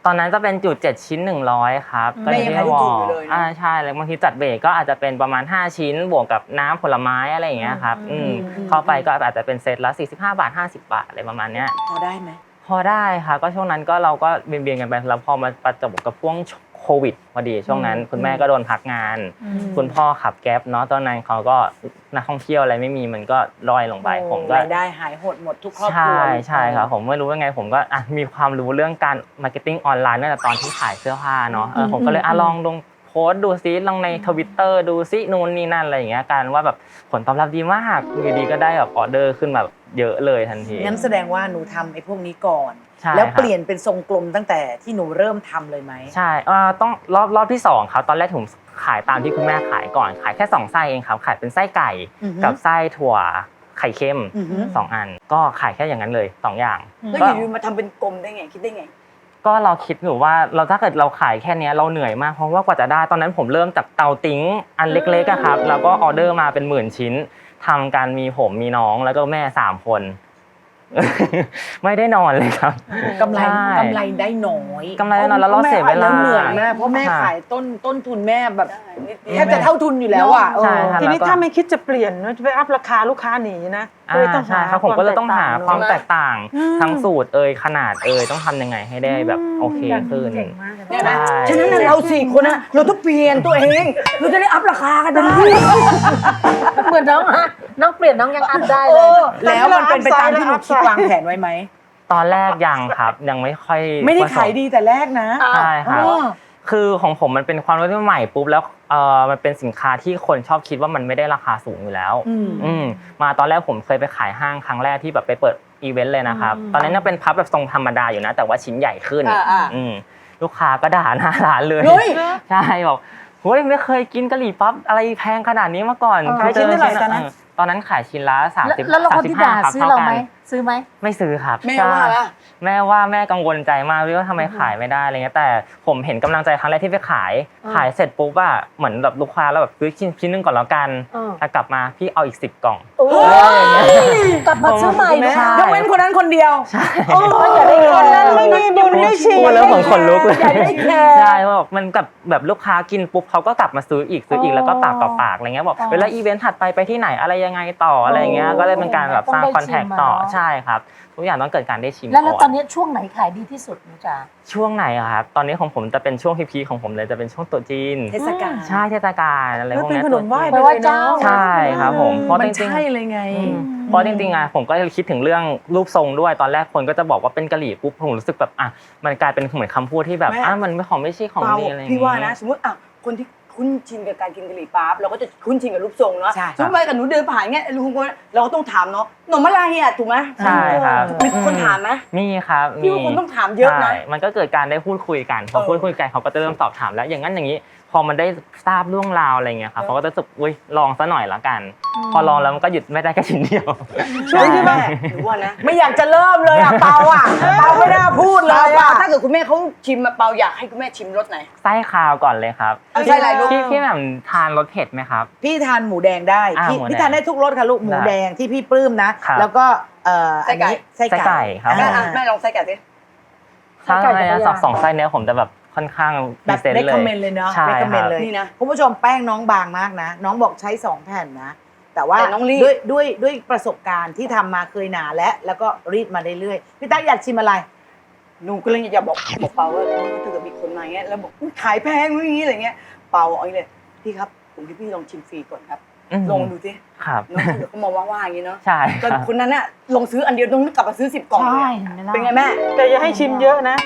S5: ตอนนั้นจะเป็นจุดเจ็ดชิ้นหนึ่งร้อยครับก็เลยที่วอลอ่าใช่แล้วบางทีจัดเบรกก็อาจจะเป็นประมาณห้าชิ้นบวกกับน้ำผลไม้อะไรอย่างเงี้ยครับอืมเข้าไปก็อาจจะเป็นเซตละสี่สิบห้าบาทห้าสิบบาทอะไรประมาณเนี้ย
S2: พอได้ไหม
S5: พอได้ค่ะก็ช่วงนั้นก็เราก็เบียนๆกันไปแล้วพอมาประจวบกับช่วงโควิดพอดีช่วงนั้นคุณแม่ก็โดนพักงานคุณพ่อขับแก๊ปเนาะตอนนั้นเขาก็นักท่องเที่ยวอะไรไม่มีมันก็ร่อยลงไปผมก็
S2: รายได้หายหดหมดทุกครอบครัว
S5: ใช่ใช่ครับผมไม่รู้ว่าไงผมก็อ่ะมีความรู้เรื่องการมาร์เก็ตติ้งออนไลน์ตั้งแต่ตอนที่ขายเสื้อผ้าเนาะเออผมก็เลยอ่ะลองลงโพสต์ดูซิลองใน Twitter ดูซินู่นนี่นั่นอะไรอย่างเงี้ยการว่าแบบผลตอบรับดีมากอยู่ดีก็ได้แบบออเดอร์ขึ้นแบบเยอะเลยทันที
S2: งั้นแสดงว่าหนูทำไอ้พวกนี้ก่อนแล้วเปลี่ยนเป็นทรงกลมตั้งแต่ที่หนูเริ่มทำเลยไหม
S5: ใช่เอ่อต้องรอบรอบที่สองครับตอนแรกผมขายตามที่คุณแม่ขายก่อนขายแค่สองไส้เองครับขายเป็นไส้ไก่กับไส้ถั่วไข่เค็มสองอันก็ขายแค่อย่างนั้นเลยสองอย่าง
S2: แล้วอยู่ๆมาทำเป็นกลมได้ไงคิดได้ไง
S5: ก็เราคิดอยู่ว่าเราถ้าเกิดเราขายแค่นี้เราเหนื่อยมากเพราะว่ากว่าจะได้ตอนนั้นผมเริ่มจากเตาติ้งอันเล็กๆอะครับแล้วก็ออเดอร์มาเป็นหมื่นชิ้นทำการมีผมมีน้องแล้วก็แม่สามคนไม่ได้นอนเลยครับ
S2: กำไรกำไรได้น้อย
S5: กำไรได้น้อยแล้วเราเสียเวลา
S2: เหนื่อยมากเพราะแม่ขายต้นต้นทุนแม่แบบแทบจะเท่าทุนอยู่แล้วอ่ะ
S3: ทีนี้ถ้าไม่คิดจะเปลี่ยนจะไปอัพราคาลูกค้าหนีนะ
S5: ก็เลยต้องหาครับผมก็เลยต้องหาความแตกต่างทั้งสูตรเอ่ยขนาดเอ่ยต้องทำยังไงให้ได้แบบโอเคขึ้น
S2: ฉะนั้นเราสี่คนนะเราต้องเปลี่ยนตัวเองเราจะได้อัพราคากันได้
S4: เหมือนน้องฮะน้องเปลี่ยนน้องยังอัพได้เลย
S2: แล้วมันเป็นไปตามที่หนูคิดวางแผนไว้ไหม
S5: ตอนแรกยังครับยังไม่ค่อย
S2: ไม่ได้ขายดีแต่แรกนะ
S5: ใช่ครับคือของผมมันเป็นความรู้ที่ใหม่ปุ๊บแล้วเออมันเป็นสินค้าที่คนชอบคิดว่ามันไม่ได้ราคาสูงอยู่แล้วอืมมาตอนแรกผมเคยไปขายห้างครั้งแรกที่แบบไปเปิดอีเวนต์เลยนะครับตอนนั้นยังเป็นพับแบบทรงธรรมดาอยู่นะแต่ว่าชิ้นใหญ่ขึ้นอืมลูกค้าก็ด่าหน้าร้านเลยใช่บอกเฮ้ยไม่เคยกินกะหรี่ปั๊บอะไรแพงขนาดนี้มาก่อน
S2: ขายชิ้นเท่าไหร่ตอนนั้น
S5: ตอนนั้นขายชิ้นละสามสิบ
S4: แล้วเราคนที่ด่าซื้อเราไหมซื้อไหม
S5: ไม่ซื้อครับ
S2: แม่ว่า
S5: แม่ว่าแม่กังวลใจมากว่าทำไมขายไม่ได้อะไรเงี้ยแต่ผมเห็นกำลังใจครั้งแรกที่ไปขายขายเสร็จปุ๊บอะเหมือนแบบลูกค้าแล้วแบบซื้อชิ้นชิ้นนึงก่อนแล้วกันแต่กลับมาพี่เอาอีกสิบกล่อง
S4: กลับมาซื้อใหม่
S2: ยกเว้นคนนั้นคนเดียว
S5: ใช่
S2: อย่าได้คนนั้นไม่มีบุญได้ชิม
S5: แล้วผมขนลุกเลยใช่บอกมันกับแบบลูกค้ากินปุ๊บเขาก็กลับมาซื้ออีกซื้ออีกแล้วก็ปากต่อปากอะไรเงี้ยบอกเวลาอีเวนต์ถัดไปไปที่ไหนอะไรยังไงต่ออะไรเงี้ยก็เลยเป็นการแบบสร้างคอนแทคต่อใช่ครับทุกอย่างต้องเกิดการได้ชิม
S4: แล้วตอนนี้ช่วงไหนขายดีที่สุดนะจ๊ะ
S5: ช่วงไหนอะครับตอนนี้ของผมจะเป็นช่วงพีคๆของผมเลยจะเป็นช่วงตรุษจีน
S2: เทศกาล
S5: ใช่เทศกาลอะไรพวกนี้
S3: ขนมไหว้
S4: ไปไหว้เจ้า
S5: ใช่ครับผมเพราะจริงๆ
S2: ใช่เลยไง
S5: เพราะจริงๆอะผมก็คิดถึงเรื่องรูปทรงด้วยตอนแรกคนก็จะบอกว่าเป็นกะหรี่ปุ๊บผมรู้สึกแบบอ่ะมันกลายเป็นเหมือนคำพูดที่แบบอ่ะมันไม่ของไม่ใช่ของดีอะไร
S2: พี่ว่านะสมมติอ่ะคนที่คุ้นชินกับการกินกะหรี่ปั๊บเราก็จะคุ้นชินกับรูปทรงเนาะสมมติไปกับหนูเดินผ่านเงี้ยลุงคนเราก็ต้องถามเนาะหน่อมะลายอ่ะถูกไหม
S5: ใช่ครับ
S2: มีคนถามไหม
S5: มีครับ
S2: พี่ว่าคนต้องถามเยอะนะ
S5: มันก็เกิดการได้พูดคุยกันพอพูดคุยกันเขาก็จะเริ่มตอบถามแล้วอย่างนั้นอย่างนี้พอมันได้ทราบเรื่องราวอะไรเงี้ยครับเขาก็จะรู้สึกอุ้ยลองซะหน่อยละกันพอลองแล้วมันก็หยุดไม่ได้แค่ชิ้นเดียว
S2: ช่วยแม่หรือว่านะไม่อยากจะเริ่มเลยอ่ะเปาอ่ะเปาไม่น่าพูดเลยอ่ะถ้าเกิดคุณแม่เขาชิมมาเปาอยากให้คุณแม่ชิมรสไหน
S5: ไส้คาวก่อนเลยครับ
S2: ไส้อะไรลูก
S5: พี่พี่แบบทานรสเผ็ดไหมครับ
S2: พี่ทานหมูแดงได้พี่ทานได้ทุกรสค่ะลูกหมูแดงที่พี่ปลื้มนะแล้วก็เอ่อไส้ไก่
S5: ไส้ไก่ครับ
S2: แม่แม่ลองไส้ไก่สิ
S5: ถ้าอะไรนะสองสองไส้เนี้ยผมจะแบบค่อนข้าง
S2: แบบเล็กคอมเมนต์เลยเนาะเล็กคอมเมนต์เลยนี่นะคุณผู้ชมแป้งน้องบางมากนะน้องบอกใช้สองแผ่นนะแต่ว่าด้วยด้วยด้วยประสบการณ์ที่ทำมาเคยหนาและแล้วก็รีดมาเรื่อยๆพี่ตั๊กอยากชิมอะไรหนูก็เลยอยากบอกบอกเปาว่าถ้าเกิดมีคนมาเงี้ยแล้วบอกขายแพงอย่างนี้อะไรเงี้ยเปาเอาเลยพี่ครับผมที่พี่ลองชิมฟรีก่อนครับลองดูสิ
S5: ครับ
S2: น้องเขามองว่าๆอย่างนี้เนาะ
S5: ใช่
S2: ก็คนนั้นน่ะลงซื้ออันเดียวต้องกลับมาซื้อสิบกล่องเลยเป็นไงแม่
S3: แต่อย่าให้ชิมเยอะนะ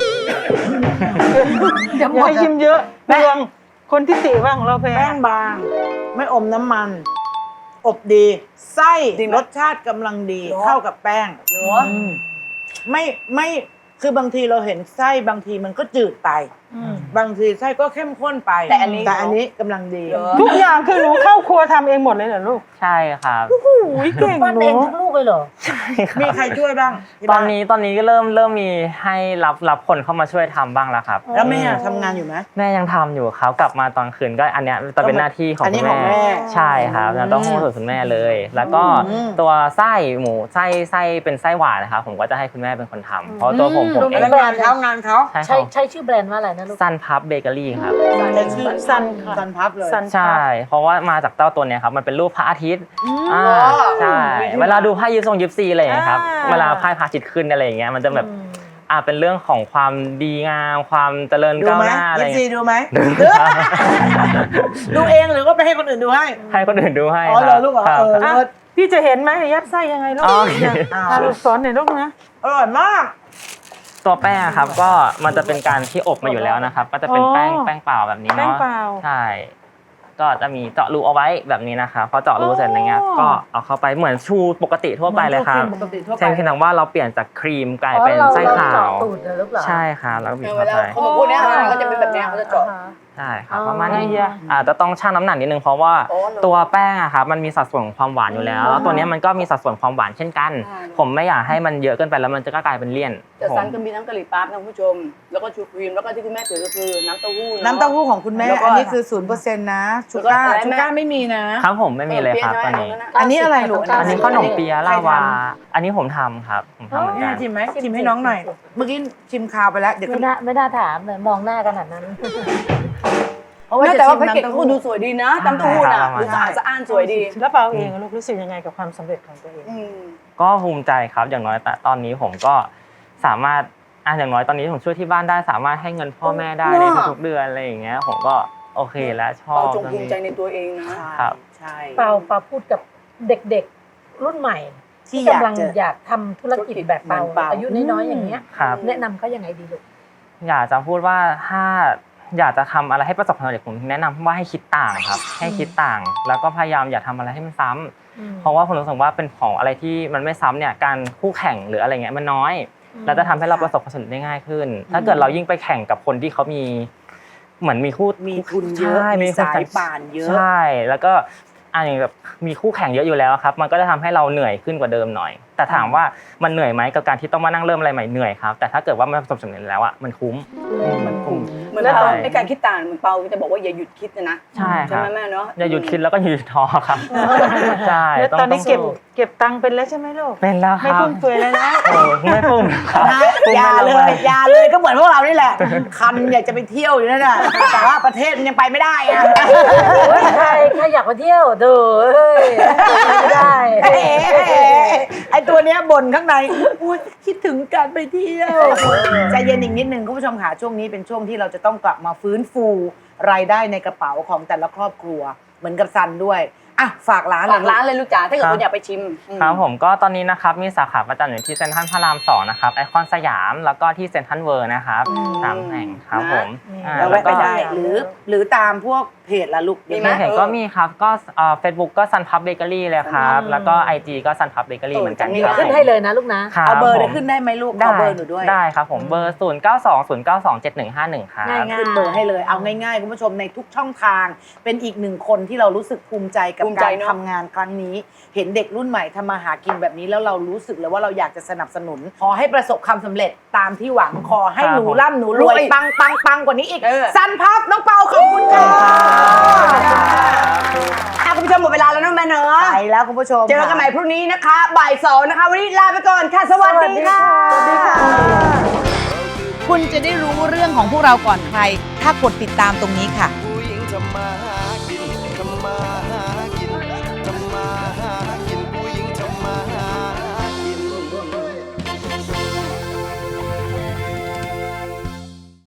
S3: อย่าให้ชิมเยอะเรื่องคนที่ติว่าของเราแป้งบางไม่อมน้ำมันอบดีไส้รสชาติกำลังดีเข้ากับแป้งไม่ไม่คือบางทีเราเห็นไส้บางทีมันก็จืดไปบางทีไส้ก็เข้มข้นไป
S2: แต่อันนี้
S3: แต่อันนี้กำลังดี
S2: เหรอ
S3: ทุกอย่างคือหนูเข้าครัวทำเองหมดเลยเหรอลูก
S5: ใช่ครับ
S3: อุ้ยเก่ง
S4: ปั้น
S3: หนู
S4: เองทั้งลูกเลยเหรอ
S3: มีใครช่วยบ้างที่
S5: ตอ
S3: บ้าน
S5: นี้ตอนนี้ก็เริ่มเริ่มมีให้รับรับคนเข้ามาช่วยทำบ้างแล้วครับ
S3: แล้วแม่ทำงานอยู่ไหม
S5: แม่ยังทำอยู่ครับกลับมาตอนคืนก็อันเนี้ยจะเป็นหน้าที่ของ
S3: อันนี้
S5: คุณ
S3: ของแม่
S5: แม่ใช่ครับแล้วต้องให้คุณแม่เลย แล้วก็
S3: อืม
S5: ตัวไส้หมูไส้ไส้เป็นไส้หวานนะครับผมก็จะให้คุณแม่เป็นคนทำเพราะตัวผมผมเอง
S3: แล้วงานเขางานเขา
S5: ใช่ค
S4: ใช้
S5: รับ
S4: ใช้ชื่อแบรนด์ว่าอะไรนะลูก
S5: ซันพับเบเกอรี่ครับ
S3: เป็นชื่อซันซันพับเลย
S5: ใช่ เพราะว่ามาจากเต้าตัวเนี้ยครับมันเป็นรูปพระอาทิตย์อ่า
S3: เหรอ
S5: ใช่เวลาดูไพ่ยิปซงยิปซีอะไรอย่างเงี้ยครับ
S3: อ่า
S5: เวลาไพ่พระอาทิตย์ขึ้นอะไรอย่างเงี้ยมันจะแบบอ่าเป็นเรื่องของความดีงามความเจริญ
S3: ดู
S5: ก้าว
S3: ไหม
S5: หน้าอะไร
S3: ยิ
S5: อ
S3: ป
S5: ย่าง
S3: ซี
S5: เงี้ย
S3: ดูไหม
S5: ดูครับ
S3: ดูเองหรือว่าไปให้คนอื่นดูให้
S5: ให้คนอื่นดูให้
S3: อ๋อเหรอลูกเหรอ
S5: ครับ
S3: เออ
S5: ครับ
S3: เลิศพี่จะเห็นไหมยัดไส้ยังไงลูก
S5: อ๋อ
S3: อ่าลูกสอนหน่อยลูกนะอร่อยมาก
S5: ตัวแป้งครับก็มันจะเป็นการที่อบมาอยู่แล้วนะครับ ก็จะเป็นแป้ง
S3: อ๋อ
S5: แป้งเปล่าแบบนี้
S3: แป้ง
S5: เนาะ
S3: เปล่า
S5: ใช่ก็จะมีเจาะรูเอาไว้แบบนี้นะครับพอเจาะรูเสร็จอะไรเงี้ย
S3: อ๋อ
S5: ก็เอาเข้าไปเหมือนชูปกติทั่วไปเลยครับ
S3: ปกติทั่วไป
S5: เพียงแต่ว่าเราเปลี่ยนจากครีมกลายเป็นไส้ขาว
S4: อ๋อเรเจาะตูดเลยหรือเปล่า
S5: ใช่ครับแล้วก็บีบ
S2: เว
S5: เข้า
S2: ลา
S5: ไป
S2: เขาบอกพวกเนี้ยก็จะเป็นแบบเนี้ยเขาจะเจาะ
S5: ใช่ครับ
S4: อ๋อ
S5: ประมาณนี้
S3: ไอ้ยะ
S5: อาจจะต้องชั่งน้ำหนักนิดนึงเพราะว่า
S2: อ๋อเหรอ
S5: ตัวแป้งอะครับมันมีสัดส่วนของความหวานอยู่แล้วแล้วตัวเนี้ยมันก็มีสัดส่วนความหวานเช่นกัน
S2: ใช่
S5: ผมไม่อยากให้มันเยอะเกินไปแล้วมันจะก็กลายเป็นเลี่ยน
S2: แต่
S5: ผม
S2: ซันก็มีทั้งกะหรี่ปั๊บนะคุณผู้ชม แล้วก็ชูครีมแล้วก็ที่คุณแม่ถือก็คือน้ำเต้าหู้ะ
S3: น้ำเต้าหู้ของคุณแม่
S2: แล้วก็
S3: อันนี้คือศูนย์เปอร์เซ็นต์นะชูก้า
S2: แล้วก็อะไร
S3: ชู
S2: แม่
S3: ก้าไม่มีนะ
S5: ครับผมไม่มีเลยครับตอนนี้
S3: อันนี้อะไรลูก
S5: อันนี้ขนมเปี๊ยะลาวา อันนี้ผมทำครับ ผมทำเหมือน
S3: แม่
S5: กัน
S3: ชิมไหมชิมให้น้องหน่อย เมื่อกี้ชิมคาวไปแล้ว เดี๋ยว
S4: ไม่น่าไม่น่าถามเลยมองหน้าขนาดนั้น
S2: เพราะว่าแต่ว่าแพ็กเกจเขาดูสวยดีนะน้ำเต้าหู้น่ะ
S5: ใช่
S2: ดูสะอาดสะอ้านสวยดี
S3: แล้วเปาเองลูกรู้สึกยังไงกับความสำเร็จของตัวเอง
S2: อืม
S5: ก็ภูมิใจครับ อย่างน้อยแต่ตอนนี้ผมก็สามารถอ่ะอย่างน้อยตอนนี้ผมช่วยที่บ้านได้สามารถให้เงินพ่อแม่ได้ในทุกๆเดือนอะไรอย่างเงี้ย ผมก็โอเคแล้วชอ
S2: เปา
S5: บ
S2: จงภูมิใจในตัวเองนะ
S5: ครับ
S2: ใช่
S4: เปาเปาพูดกับเด็กๆรุ่นใหม่
S3: ที่
S4: ที่
S3: อยาก
S4: กำลัง
S3: จะ
S4: อยากทำธุรกิจแบบเปา
S2: เหมือนเปา
S4: อายุน้อยๆอย่างเงี้ย
S5: ครับ
S4: แนะนำเขายังไงดีลูก
S5: อยากจะพูดว่าถ้าอยากจะทำอะไรให้ประสบความสำเร็จผมแนะนำว่าให้คิดต่างครับ ให้คิดต่าง แล้วก็พยายามอย่าทำอะไรให้มันซ้ำเพราะว่าผมรู้สึกว่าเป็นของอะไรที่มันไม่ซ้ำเนี่ยการคู่แข่งหรืออะไรเงี้ยมันน้อย แล้วจะทำให้เราประสบความสำเร็จได้ง่ายขึ้น ถ้าเกิดเรายิ่งไปแข่งกับคนที่เขามีเหมือนมีคู่
S3: มีทุนเยอะ
S5: ใช่
S3: มี
S5: คน
S3: สายป่านเยอะ
S5: ใช่แล้วก็อ่ะอย่างแบบมีคู่แข่งเยอะอยู่แล้วครับ มันก็จะทำให้เราเหนื่อยขึ้นกว่าเดิมหน่อย แต่ถามว่ามันเหนื่อยไหมกับการที่ต้องมานั่งเริ่มอะไรใหม่เหนื่อยครับแต่ถ้าเกิดว่ามันประสบความสำเร็จแล้วอ่ะมันคุ้มมันคุ้ม
S2: เหมือน
S5: ใช่
S2: เปาไอ้การคิดต่างเหมือนเปาจะบอกว่าอย่าหยุดคิดนะนะ
S5: ใช่ค
S2: ใช่
S5: รับ
S2: ไหมแม่เนาะ
S5: อย่าหยุดคิดแล้วก็อย่าหยุดท้อครับใช่
S3: แล้ว
S5: ต้อง
S3: ตอนนี้
S5: ง
S3: เก็บ
S5: สู้
S3: เก็บตังค์เป็นแล้วใช่ไหมลูก
S5: เป็นแล้วค
S3: ไม่
S5: รับ
S3: ฟุ่มเฟือยแล้วนะ
S5: โอ้ไม่ฟุ่มครับ
S3: นะอย่าเลยอย่าเลยก็เหมือนพวกเรานี่แหละ คันอยากจะไปเที่ยวอยู่นั่นแหละแต่ว่าประเทศมันยังไปไม่ได้อะ
S4: เฮ้ยใครใครอยากไปเที่ยวเด้อเอ้ยไม่ได้
S3: เอ๋ไอตัวเนี้ยบ่นข้างในอุ๊ยคิดถึงการไปเที่ยวใจเย็นอีกนิดนึงคุณผู้ชมค่ะช่วงนี้เป็นช่วงที่เราจะต้องกลับมาฟื้นฟูรายได้ในกระเป๋าของแต่ละครอบครัว เหมือนกับซันด้วยอ่ะฝากร้าน
S2: ฝากร้านเลยลูกจ๋าถ้าเกิด
S5: ครับ
S2: คุณอยากไปชิมอืม
S5: ครับผมก็ตอนนี้นะครับมีสาขาประจำอยู่ที่เซ็นทรัลพระรามสองนะครับไอคอนสยามแล้วก็ที่เซ็นทรัลเวิร์นะครับสามแห่งครับผมอ่า
S3: เรา
S5: แล้
S3: แวะ
S5: ว
S3: ไป
S5: ก็
S3: ได้หรือหรือตามพวกเพจละลูก
S2: มีไหม
S5: เห็นก็มีครับก็เฟซบุ๊กก็ซันพับเบเกอรี่เลยครับแล้วก็ไอจีก็ซันพับเบเกอรี่เหมือนกัน
S2: เออ
S5: ครับ
S4: ขึ้นให้เลยนะลูกนะ
S5: คบ
S3: เอาเบอร์
S5: ผม
S3: ได้ขึ้นได้ไหมลูก
S5: ได้
S3: เอาเบอร์หนูด้วย
S5: ได้ครับผมเบอร์ศูนย์เก้าสองศูนย์เก้าสองเจ็ดหนึ่งห้าหนึ่งครับ
S4: ง่ายๆ
S3: ขึ้นเบอร์ให้เลยเอาง่ายๆคุณผู้ชมในทุกช่องทาง เป็นอีกหนึ่งคนที่เรารู้สึกภูมิใจกับ
S2: ภูมิใจ
S3: การ
S2: เนอะ
S3: ทำงานครั้งนี้ เห็นเด็กรุ่นใหม่ทำมาหากินแบบนี้แล้วเรารู้สึกเลยว่าเราอยากจะสนับสนุน ขอให้ประสบความสำเร็จตามที่หวังขอให้หนูร่ำหนูรวยปังปังปังกว่านี้อีก
S2: เออ
S3: สันพับน้องเปาขอบคุณค่ะ
S2: อ่ะคุณผู้ชมหมดเวลาแล้วนะแม่เนอะ
S3: ไปแล้วคุณผู้ชม
S2: เจอกันใหม่พรุ่งนี้นะคะบ่ายสองนะคะวันนี้ลาไปก่อนค่ะสวัสดีค่ะ
S3: สวัสดีค่ะ
S7: คุณจะได้รู้เรื่องของพวกเราก่อนใคร ถ้ากดติดตามตรงนี้ค่ะ
S8: ผู้หญิงทำมาหา